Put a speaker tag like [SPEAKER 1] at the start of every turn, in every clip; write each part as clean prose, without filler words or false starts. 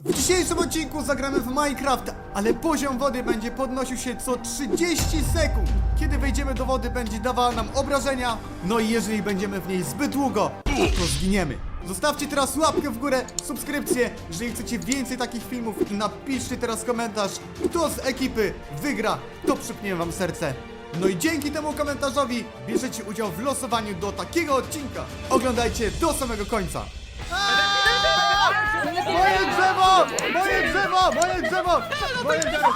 [SPEAKER 1] W dzisiejszym odcinku zagramy w Minecraft, ale poziom wody będzie podnosił się co 30 sekund. Kiedy wejdziemy do wody, będzie dawała nam obrażenia. No i jeżeli będziemy w niej zbyt długo, to zginiemy. Zostawcie teraz łapkę w górę, subskrypcję, jeżeli chcecie więcej takich filmów i napiszcie teraz komentarz, kto z ekipy wygra, to przypnie wam serce. No i dzięki temu komentarzowi bierzecie udział w losowaniu do takiego odcinka. Oglądajcie do samego końca. Moje drzewo! Moje drzewo! Moje drzewo! Moje drzewo!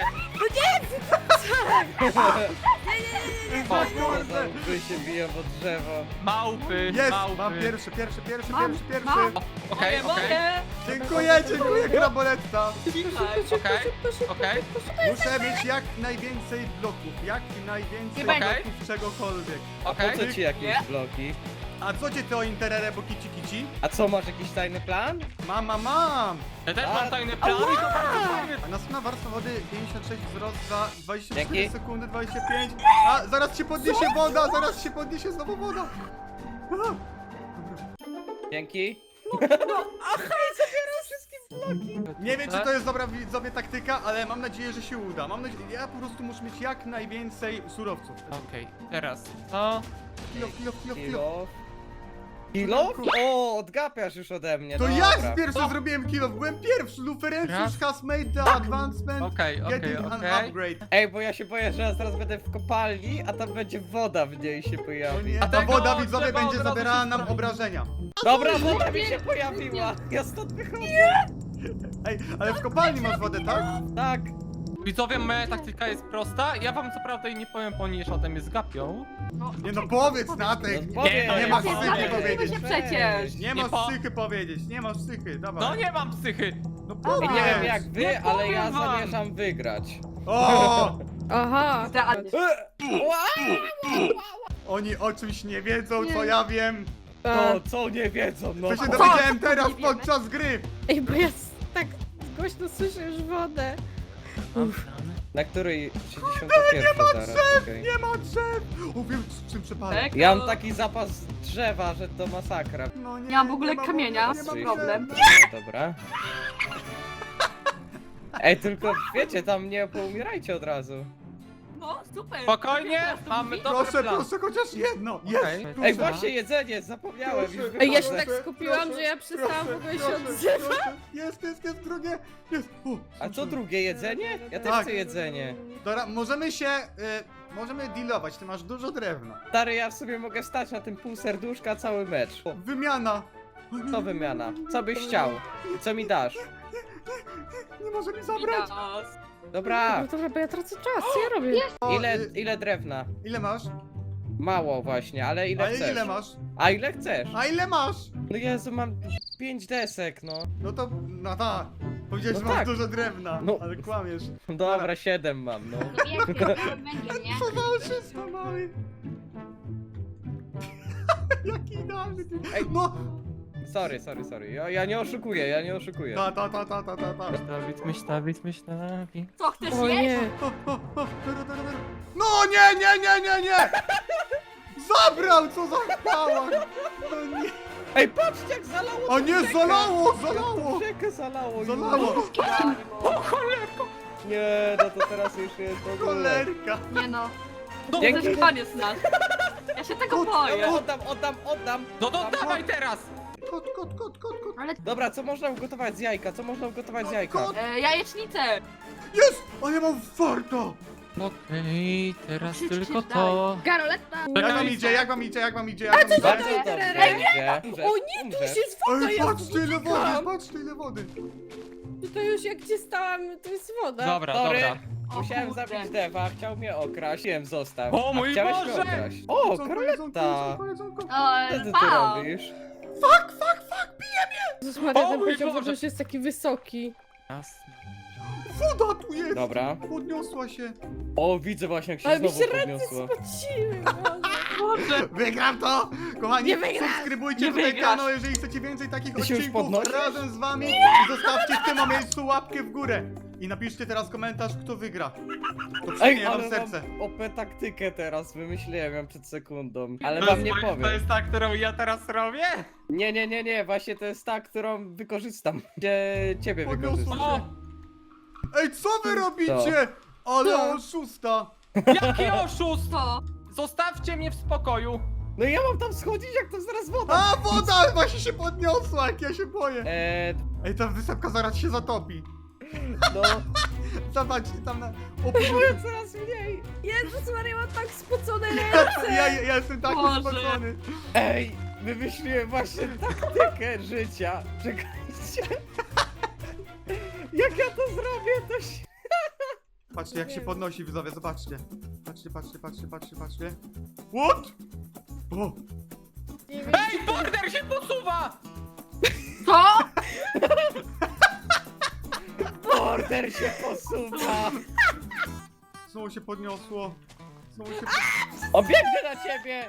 [SPEAKER 2] Wy się biją pod drzewo.
[SPEAKER 3] Małpy,
[SPEAKER 1] Jest!
[SPEAKER 3] małpy.
[SPEAKER 1] Mam pierwszy.
[SPEAKER 3] Okej, okej,
[SPEAKER 1] Dziękuję, kraboletta.
[SPEAKER 3] okej.
[SPEAKER 1] Muszę mieć jak najwięcej bloków, jak najwięcej
[SPEAKER 3] Okej.
[SPEAKER 1] bloków czegokolwiek.
[SPEAKER 2] A po co ci jakieś bloki?
[SPEAKER 1] A co cię to interere, bo kici kici?
[SPEAKER 2] A co, masz jakiś tajny plan?
[SPEAKER 1] Mam!
[SPEAKER 3] Ja też mam tajny plan i to bardzo fajny.
[SPEAKER 1] A następna warstwa wody 56 wzrost za 24
[SPEAKER 2] Dzięki.
[SPEAKER 1] sekundy, 25. A zaraz się podniesie woda, zaraz się podniesie znowu woda. A,
[SPEAKER 2] Dzięki.
[SPEAKER 1] Nie wiem, czy to jest dobra widzowie taktyka, ale mam nadzieję, że się uda. Mam nadzieję, ja po prostu muszę mieć jak najwięcej surowców.
[SPEAKER 3] Okej, teraz co?
[SPEAKER 1] Kilo.
[SPEAKER 2] Kilo. Kilo? O, odgapiasz już ode mnie.
[SPEAKER 1] To
[SPEAKER 2] dobra.
[SPEAKER 1] ja pierwszy zrobiłem kilo, byłem pierwszy. Luferencjusz has made the advancement.
[SPEAKER 3] Okej,
[SPEAKER 1] Getting an
[SPEAKER 3] okej.
[SPEAKER 1] upgrade.
[SPEAKER 2] Ej, bo ja się boję, że ja zaraz będę w kopalni, a tam będzie woda w niej się
[SPEAKER 1] O
[SPEAKER 2] pojawi.
[SPEAKER 1] nie,
[SPEAKER 3] A
[SPEAKER 1] ta
[SPEAKER 3] tego
[SPEAKER 1] woda widzowie
[SPEAKER 3] trzeba
[SPEAKER 1] będzie
[SPEAKER 3] od razu
[SPEAKER 1] zabierała
[SPEAKER 3] się
[SPEAKER 1] nam
[SPEAKER 3] zrobić.
[SPEAKER 1] obrażenia.
[SPEAKER 2] Dobra, woda mi się pojawiła. Ja stąd wychodzę.
[SPEAKER 1] Ej, ale w kopalni masz wodę, tak?
[SPEAKER 2] Tak.
[SPEAKER 3] Widzowie, moja taktyka jest prosta. Ja wam co prawda jej nie powiem, ponieważ o tym mnie zgapią.
[SPEAKER 1] Nie no, powiedz na tych.
[SPEAKER 2] No, powiedz.
[SPEAKER 1] nie ma
[SPEAKER 3] Nie,
[SPEAKER 1] psychy
[SPEAKER 3] nie,
[SPEAKER 1] powiedzieć.
[SPEAKER 4] się przecież.
[SPEAKER 1] Nie
[SPEAKER 3] Nie
[SPEAKER 1] masz
[SPEAKER 3] po-
[SPEAKER 1] psychy powiedzieć, nie masz psychy, dawaj.
[SPEAKER 3] No nie mam psychy.
[SPEAKER 1] No
[SPEAKER 2] Ej,
[SPEAKER 1] powiedz.
[SPEAKER 2] nie wiem jak wy,
[SPEAKER 3] Nie
[SPEAKER 2] ale ja
[SPEAKER 3] powiem wam.
[SPEAKER 2] zamierzam wygrać.
[SPEAKER 1] O!
[SPEAKER 4] Aha.
[SPEAKER 1] Oni o czymś nie wiedzą, co ja wiem.
[SPEAKER 2] No, co nie wiedzą, no.
[SPEAKER 1] To się dowiedziałem teraz podczas gry.
[SPEAKER 4] Ej, bo ja tak głośno słyszę już wodę.
[SPEAKER 2] Na której 61 zaraz, okej.
[SPEAKER 1] Nie ma drzew. O, wiem czym przepalę.
[SPEAKER 2] Ja mam taki zapas drzewa, że to masakra.
[SPEAKER 1] No nie,
[SPEAKER 4] Nie mam w ogóle
[SPEAKER 1] nie ma
[SPEAKER 4] kamienia,
[SPEAKER 1] wody, nie ma
[SPEAKER 4] czyli
[SPEAKER 1] drzew.
[SPEAKER 4] problem.
[SPEAKER 2] No, dobra. Ej, tylko wiecie, tam nie poumierajcie od razu.
[SPEAKER 4] No, super.
[SPEAKER 3] Spokojnie, mamy dobry
[SPEAKER 1] Proszę,
[SPEAKER 3] plan.
[SPEAKER 1] proszę, chociaż jedno. Jest.
[SPEAKER 3] Okej.
[SPEAKER 1] proszę.
[SPEAKER 2] Ej, właśnie jedzenie, zapomniałem już
[SPEAKER 1] Proszę,
[SPEAKER 4] Ej, ja się
[SPEAKER 2] wychodzę.
[SPEAKER 4] tak skupiłam, że ja przestałam w ogóle się odzywać.
[SPEAKER 1] proszę. Jest, drugie. Jest. O,
[SPEAKER 2] A co drugie, jedzenie? Ja też
[SPEAKER 1] Tak.
[SPEAKER 2] chcę jedzenie.
[SPEAKER 1] Dobra, możemy dealować, ty masz dużo drewna.
[SPEAKER 2] Stary, ja w sobie mogę stać na tym pół serduszka cały mecz. O,
[SPEAKER 1] Wymiana.
[SPEAKER 2] co wymiana? Co byś chciał? Co mi dasz?
[SPEAKER 1] Nie może mi zabrać.
[SPEAKER 2] Dobra,
[SPEAKER 4] No dobra, bo ja tracę czas, co ja robię?
[SPEAKER 1] O,
[SPEAKER 2] ile drewna?
[SPEAKER 1] ile masz?
[SPEAKER 2] Mało właśnie, ale ile
[SPEAKER 1] A
[SPEAKER 2] chcesz?
[SPEAKER 1] ile masz?
[SPEAKER 2] A ile chcesz?
[SPEAKER 1] A ile masz?
[SPEAKER 2] No Jezu, mam 5 desek, no.
[SPEAKER 1] No to, no tak. Powiedziałeś, że
[SPEAKER 2] No
[SPEAKER 1] masz
[SPEAKER 2] tak.
[SPEAKER 1] dużo drewna,
[SPEAKER 2] No.
[SPEAKER 1] ale kłamiesz.
[SPEAKER 2] Dobra, 7 mam, no.
[SPEAKER 1] Co za wszystko mały. Jaki idealny ty.
[SPEAKER 2] Ej.
[SPEAKER 1] No.
[SPEAKER 2] Sorry. Ja nie oszukuję.
[SPEAKER 1] Ta.
[SPEAKER 3] Myślawi.
[SPEAKER 4] Co, chcesz
[SPEAKER 1] No
[SPEAKER 4] jeść?
[SPEAKER 1] nie. No nie. Zabrał, co za chwała. No nie.
[SPEAKER 2] Ej, patrzcie jak zalało!
[SPEAKER 1] O nie, zalało.
[SPEAKER 2] Rzekę zalało!
[SPEAKER 1] Zalało.
[SPEAKER 2] Nie, no to teraz już jest w ogóle.
[SPEAKER 1] Cholerka.
[SPEAKER 4] Nie no.
[SPEAKER 2] Dzięki.
[SPEAKER 4] To jest koniec nas. Ja się tego boję.
[SPEAKER 2] Oddam!
[SPEAKER 3] No to dawaj teraz.
[SPEAKER 1] Kot.
[SPEAKER 4] Ale
[SPEAKER 2] Dobra, co można ugotować z jajka?
[SPEAKER 1] Kot.
[SPEAKER 4] jajecznicę.
[SPEAKER 1] Jest! A ja mam farta.
[SPEAKER 3] Okej, teraz
[SPEAKER 4] Krzycz
[SPEAKER 3] tylko
[SPEAKER 4] dalej.
[SPEAKER 3] to.
[SPEAKER 4] Garoletta.
[SPEAKER 1] Jak wam idzie?
[SPEAKER 2] Bardzo
[SPEAKER 4] Ej,
[SPEAKER 2] dobrze idzie.
[SPEAKER 4] O nie, tu już jest woda,
[SPEAKER 1] Ej,
[SPEAKER 4] ja
[SPEAKER 1] patrzcie ile wody.
[SPEAKER 4] To już jak gdzie stałam, to jest woda.
[SPEAKER 3] Dobra,
[SPEAKER 2] Sorry.
[SPEAKER 3] dobra.
[SPEAKER 2] Musiałem
[SPEAKER 4] kurde.
[SPEAKER 2] zabić dewa, chciał mnie okraść. Wiem, zostaw.
[SPEAKER 3] O
[SPEAKER 2] A
[SPEAKER 3] mój
[SPEAKER 2] chciałeś mnie
[SPEAKER 3] Boże!
[SPEAKER 2] okraść. O, Karoletta! Co ty tu
[SPEAKER 4] Pał.
[SPEAKER 2] robisz?
[SPEAKER 4] Jezus Maria,
[SPEAKER 3] O
[SPEAKER 4] ten
[SPEAKER 3] mój
[SPEAKER 4] poziom
[SPEAKER 3] Boże.
[SPEAKER 4] wody już jest taki wysoki.
[SPEAKER 3] Jasne.
[SPEAKER 1] Woda tu jest!
[SPEAKER 2] Dobra.
[SPEAKER 1] Podniosła się.
[SPEAKER 2] O, widzę właśnie jak się
[SPEAKER 4] Ale mi
[SPEAKER 2] znowu
[SPEAKER 4] się ręce
[SPEAKER 2] podniosło.
[SPEAKER 4] spociły.
[SPEAKER 3] Boże.
[SPEAKER 1] Wygram to! Kochani,
[SPEAKER 4] Nie wygrasz!
[SPEAKER 1] subskrybujcie
[SPEAKER 3] Nie
[SPEAKER 1] tutaj
[SPEAKER 3] wygrasz!
[SPEAKER 1] kanał, jeżeli chcecie więcej takich
[SPEAKER 2] Ty się już
[SPEAKER 1] odcinków
[SPEAKER 2] podnosisz?
[SPEAKER 1] razem z wami i zostawcie w tym miejscu łapkę w górę. I napiszcie teraz komentarz, kto wygra. To
[SPEAKER 2] Ej,
[SPEAKER 1] przyjmie wam
[SPEAKER 2] ale
[SPEAKER 1] serce.
[SPEAKER 2] mam OP taktykę teraz, wymyśliłem ją przed sekundą. Ale
[SPEAKER 3] To
[SPEAKER 2] wam
[SPEAKER 3] jest-
[SPEAKER 2] nie
[SPEAKER 3] To
[SPEAKER 2] powiem.
[SPEAKER 3] jest ta, którą ja teraz robię?
[SPEAKER 2] Nie, właśnie to jest ta, którą wykorzystam. Gdzie ciebie
[SPEAKER 1] Podniosło
[SPEAKER 2] wykorzystam.
[SPEAKER 1] się. Ej, co wy robicie? Ale
[SPEAKER 4] Co?
[SPEAKER 1] oszusta.
[SPEAKER 3] Jaki oszust!
[SPEAKER 5] Co?
[SPEAKER 3] Zostawcie mnie w spokoju.
[SPEAKER 2] No i ja mam tam schodzić, jak to zaraz woda.
[SPEAKER 1] A, woda właśnie się podniosła, jak ja się boję.
[SPEAKER 2] Eee,
[SPEAKER 1] Ej, ta wysepka zaraz się zatopi.
[SPEAKER 2] no,
[SPEAKER 1] Zobaczcie tam na... O,
[SPEAKER 2] coraz mniej.
[SPEAKER 4] Jezus Maria, mam tak spocone ręce!
[SPEAKER 1] ja jestem taki
[SPEAKER 5] Boże.
[SPEAKER 1] spocony.
[SPEAKER 2] Ej, wymyśliłem właśnie taktykę życia. Czekajcie. Jak ja to zrobię, to się...
[SPEAKER 1] Patrzcie, jak się podnosi, widzowie, zobaczcie. Patrzcie. What? O,
[SPEAKER 4] Nie wiem,
[SPEAKER 3] Ej, border się posuwa!
[SPEAKER 5] Co?
[SPEAKER 2] Border się posuwa.
[SPEAKER 1] znowu się podniosło.
[SPEAKER 2] Obiegnę na ciebie.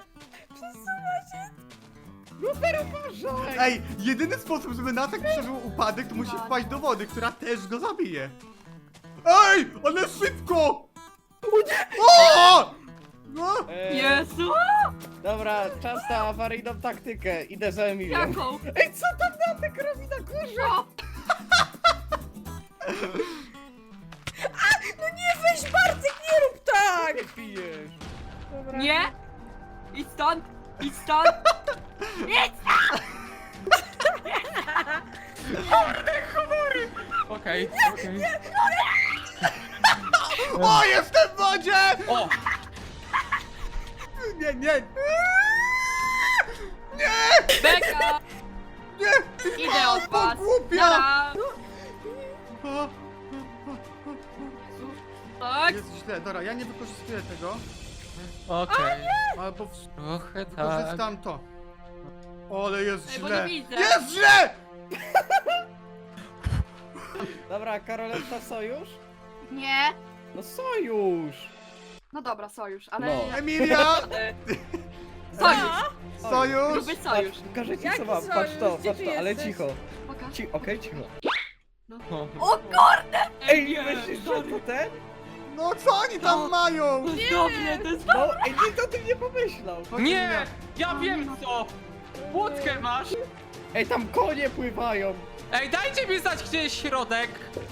[SPEAKER 2] Lufer, uważaj.
[SPEAKER 1] Ej, jedyny sposób, żeby Natek przeżył upadek, to musi wpaść do wody, która też go zabije. Ej, ale szybko! O! No!
[SPEAKER 5] Jezu!
[SPEAKER 2] Dobra, czas na awaryjną taktykę. Idę za Emilią.
[SPEAKER 5] Jaką?
[SPEAKER 2] Ej, co tam Natek robi na górze?
[SPEAKER 5] Co?
[SPEAKER 4] no nie, weź Bartek, nie rób tak!
[SPEAKER 2] Nie pijesz.
[SPEAKER 4] Dobra.
[SPEAKER 5] Nie? Idź stąd! Idź stąd! Idź!
[SPEAKER 3] Okej.
[SPEAKER 1] O, jestem w wodzie!
[SPEAKER 3] O!
[SPEAKER 1] Nie, nie!
[SPEAKER 5] Beka!
[SPEAKER 1] Nie!
[SPEAKER 5] Idę od was!
[SPEAKER 1] Głupia!
[SPEAKER 5] Nara!
[SPEAKER 1] O,
[SPEAKER 5] Tak?
[SPEAKER 1] jest źle, dobra, ja nie wykorzystuję tego,
[SPEAKER 3] Okej.
[SPEAKER 1] albo
[SPEAKER 3] Trochę tak.
[SPEAKER 1] wykorzystam to. O, ale jest
[SPEAKER 5] Ej, bo
[SPEAKER 1] źle!
[SPEAKER 5] nie widzę.
[SPEAKER 1] Jest źle!
[SPEAKER 2] Dobra, Karoletta, sojusz?
[SPEAKER 5] Nie!
[SPEAKER 2] No sojusz.
[SPEAKER 5] No dobra, sojusz, ale...
[SPEAKER 2] No.
[SPEAKER 1] Emilia!
[SPEAKER 5] Sojusz!
[SPEAKER 1] Sojusz!
[SPEAKER 5] Gruby sojusz!
[SPEAKER 2] Pokażę ci
[SPEAKER 4] Jaki
[SPEAKER 2] co mam,
[SPEAKER 4] sojusz?
[SPEAKER 2] patrz to,
[SPEAKER 4] Gdzie
[SPEAKER 2] patrz
[SPEAKER 4] ty
[SPEAKER 2] to, ale
[SPEAKER 4] jesteś?
[SPEAKER 2] cicho.
[SPEAKER 5] Pokaż.
[SPEAKER 2] Okej, cicho.
[SPEAKER 3] O.
[SPEAKER 5] O kurde!
[SPEAKER 2] Ej,
[SPEAKER 5] nie,
[SPEAKER 2] myślisz, że
[SPEAKER 5] sorry.
[SPEAKER 2] to ten?
[SPEAKER 1] No co oni tam
[SPEAKER 5] No.
[SPEAKER 1] mają?
[SPEAKER 5] To jest dobre, to jest
[SPEAKER 2] No, ej, nikt o tym nie pomyślał.
[SPEAKER 1] Chodź,
[SPEAKER 3] Nie!
[SPEAKER 1] Emilia.
[SPEAKER 3] Ja wiem co! Łódkę masz!
[SPEAKER 2] Ej, tam konie pływają.
[SPEAKER 3] Ej, dajcie mi znać, gdzie jest środek!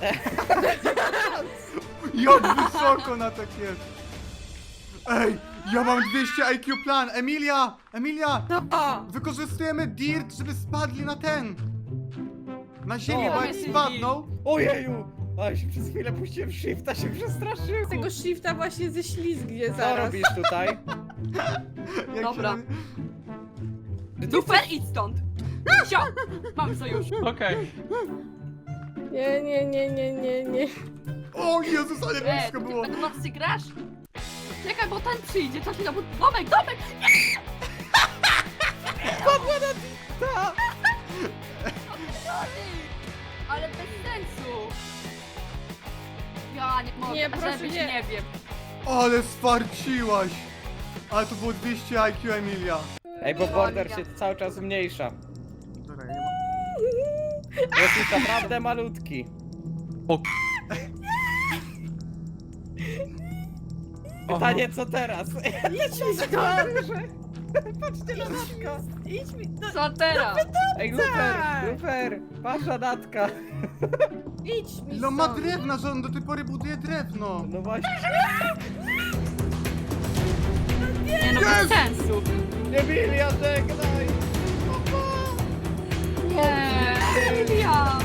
[SPEAKER 1] Jak wysoko na tak jest! Ej, ja mam 200 IQ plan! Emilia! Emilia!
[SPEAKER 4] No.
[SPEAKER 1] Wykorzystujemy dirt, żeby spadli na ten! Na ziemię,
[SPEAKER 2] O.
[SPEAKER 1] bo jak spadną...
[SPEAKER 2] Ojeju! Ale się przez chwilę puściłem shifta, się przestraszyłem.
[SPEAKER 4] Tego shifta właśnie ześlizgnie
[SPEAKER 2] Co
[SPEAKER 4] zaraz.
[SPEAKER 2] robisz tutaj?
[SPEAKER 1] Jak
[SPEAKER 5] Dobra.
[SPEAKER 1] Się...
[SPEAKER 5] Super, idź stąd! Sio! Mamy sojusz!
[SPEAKER 3] Okej.
[SPEAKER 4] Nie.
[SPEAKER 1] O Jezus, ale blisko
[SPEAKER 5] ty
[SPEAKER 1] było!
[SPEAKER 5] będę nocy grasz? Czekaj, bo ten przyjdzie, czekaj, no bo domek!
[SPEAKER 2] Ta!
[SPEAKER 5] Ale bez sensu! Ja nie mogę,
[SPEAKER 4] Nie, proszę,
[SPEAKER 5] żebyś
[SPEAKER 4] nie.
[SPEAKER 5] nie wiem.
[SPEAKER 1] Ale sfarciłaś! Ale to było 200 IQ, Emilia.
[SPEAKER 2] Ej, bo border się cały czas zmniejsza.
[SPEAKER 1] Dobra, ja nie mam...
[SPEAKER 2] Jest już naprawdę malutki. Pytanie, co teraz?
[SPEAKER 4] Idź mi stąd!
[SPEAKER 2] Patrzcie na Natka.
[SPEAKER 4] Idź mi... No,
[SPEAKER 5] Co teraz?
[SPEAKER 2] Ej, Lufer, patrz na Natka.
[SPEAKER 4] idź mi
[SPEAKER 1] No ma
[SPEAKER 4] stąd.
[SPEAKER 1] drewna, że on do tej pory buduje drewno.
[SPEAKER 2] No właśnie.
[SPEAKER 5] Nie no, bez sensu!
[SPEAKER 2] Emilia, żegnaj.
[SPEAKER 5] Nie! Emilia!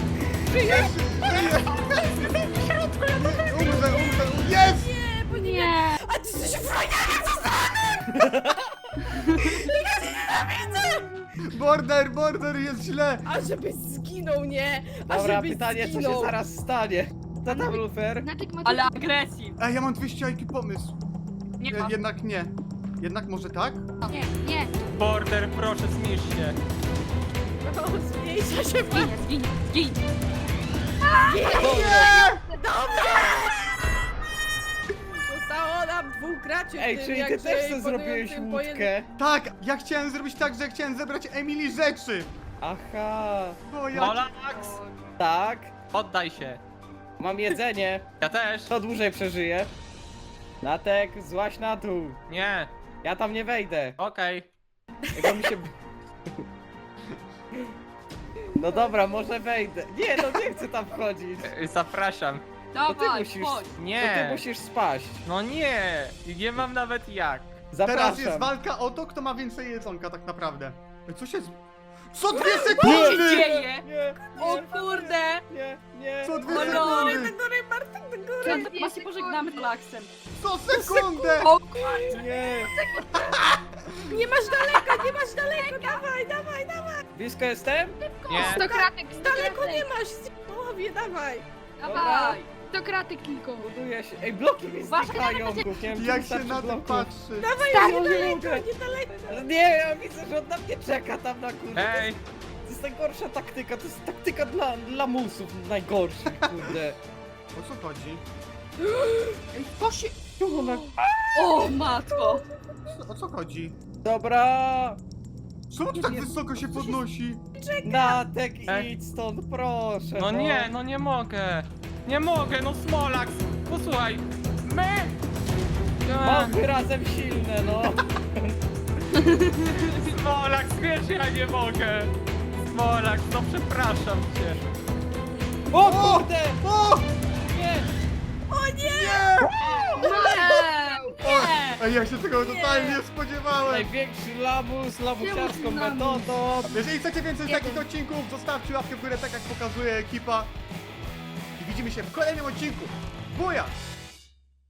[SPEAKER 1] Umrę! Jest!
[SPEAKER 4] Nie, bo nie...
[SPEAKER 5] Nie!
[SPEAKER 4] A ty jesteś frajnie!
[SPEAKER 1] Border, jest źle!
[SPEAKER 4] A żebyś zginął, nie? A
[SPEAKER 2] Dobra,
[SPEAKER 4] żebyś
[SPEAKER 2] pytanie, co się
[SPEAKER 4] zginął.
[SPEAKER 2] zaraz stanie? Co tam, Lufer?
[SPEAKER 5] Ale agresji!
[SPEAKER 1] Ej, ja mam 200 IQ pomysł.
[SPEAKER 5] Nie ma.
[SPEAKER 1] Jednak nie. Jednak może tak?
[SPEAKER 5] Nie!
[SPEAKER 3] Border, proszę, zmierz się.
[SPEAKER 4] O, zmniejsza się pan.
[SPEAKER 5] Zgiń! Zgiń!
[SPEAKER 4] Zostało nam 2 graczy.
[SPEAKER 2] Ej,
[SPEAKER 4] w tym
[SPEAKER 2] czyli ty
[SPEAKER 4] jakże
[SPEAKER 2] też sobie zrobiłeś
[SPEAKER 4] imponującym
[SPEAKER 2] łódkę?
[SPEAKER 1] Tak! Ja chciałem zrobić tak, że chciałem zebrać Emily rzeczy!
[SPEAKER 2] Aha,
[SPEAKER 1] O ja...
[SPEAKER 3] Molax!
[SPEAKER 2] tak.
[SPEAKER 3] Oddaj się.
[SPEAKER 2] Mam jedzenie.
[SPEAKER 3] Ja też.
[SPEAKER 2] Kto dłużej przeżyje? Natek, złaź na dół.
[SPEAKER 3] Nie.
[SPEAKER 2] Ja tam nie wejdę.
[SPEAKER 3] Okej.
[SPEAKER 2] Jakby mi się... No dobra, może wejdę. Nie, no nie chcę tam wchodzić.
[SPEAKER 3] Zapraszam.
[SPEAKER 5] Dawaj,
[SPEAKER 2] musisz-
[SPEAKER 5] chodź.
[SPEAKER 2] To ty
[SPEAKER 3] Nie.
[SPEAKER 2] musisz spaść.
[SPEAKER 3] No nie. Nie mam nawet jak.
[SPEAKER 2] Zapraszam.
[SPEAKER 1] Teraz jest walka o to, kto ma więcej jedzonka tak naprawdę. Ej, co się... Co 2
[SPEAKER 5] Co się
[SPEAKER 1] sekundy!
[SPEAKER 5] dzieje?
[SPEAKER 2] Nie,
[SPEAKER 5] O kurde!
[SPEAKER 2] nie.
[SPEAKER 1] Co 2
[SPEAKER 5] O no.
[SPEAKER 4] Do
[SPEAKER 1] sekundy!
[SPEAKER 4] góry, Bartek, do góry!
[SPEAKER 5] Chyba się pożegnamy z Laksem.
[SPEAKER 1] Co sekundę!
[SPEAKER 5] O kurde!
[SPEAKER 2] Nie.
[SPEAKER 4] Nie masz daleko, nie masz daleko! Dawaj, dawaj, dawaj!
[SPEAKER 2] Blisko jestem?
[SPEAKER 3] Nie.
[SPEAKER 6] 100 kratek, 100
[SPEAKER 4] Daleko nie
[SPEAKER 6] kratek.
[SPEAKER 4] masz! W połowie, dawaj!
[SPEAKER 5] Dawaj!
[SPEAKER 6] 100 kratek tylko.
[SPEAKER 2] Buduję się. Ej, bloki mi
[SPEAKER 5] Uważaj,
[SPEAKER 2] znikają. Nie wiem, czy
[SPEAKER 1] Jak się
[SPEAKER 2] wystarczy
[SPEAKER 1] na to
[SPEAKER 2] bloków.
[SPEAKER 1] patrzy.
[SPEAKER 4] Dawaj,
[SPEAKER 2] Ja
[SPEAKER 4] nie
[SPEAKER 2] nie
[SPEAKER 4] daleko,
[SPEAKER 2] mogę.
[SPEAKER 4] nie daleko!
[SPEAKER 2] Ale nie, ja widzę, że on na mnie czeka tam na kurde.
[SPEAKER 3] Ej.
[SPEAKER 2] To jest najgorsza taktyka, to jest taktyka dla lamusów najgorszych, kurde.
[SPEAKER 1] O co chodzi?
[SPEAKER 5] Ej, to się...
[SPEAKER 2] Czemu ona...
[SPEAKER 5] O matko!
[SPEAKER 1] O co chodzi?
[SPEAKER 2] Dobra!
[SPEAKER 1] Czemu to tak wysoko się podnosi?
[SPEAKER 2] Natek,
[SPEAKER 3] Ej.
[SPEAKER 2] idź stąd, proszę.
[SPEAKER 3] No nie, no nie mogę. Nie mogę, no Smolax. Posłuchaj. My.
[SPEAKER 2] Małpy razem silne, no.
[SPEAKER 3] Smolax, wiesz, ja nie mogę. Smolax, no przepraszam cię.
[SPEAKER 2] O kurde!
[SPEAKER 1] O!
[SPEAKER 2] Nie!
[SPEAKER 1] Nie!
[SPEAKER 5] Nie!
[SPEAKER 1] Ej, ja się tego totalnie nie spodziewałem!
[SPEAKER 2] Największy lamus, lamusiarską
[SPEAKER 6] Czemu lamus?
[SPEAKER 2] metodą.
[SPEAKER 1] Jeżeli chcecie więcej takich odcinków, zostawcie łapkę w górę, tak jak pokazuje ekipa. I widzimy się w kolejnym odcinku. Buja!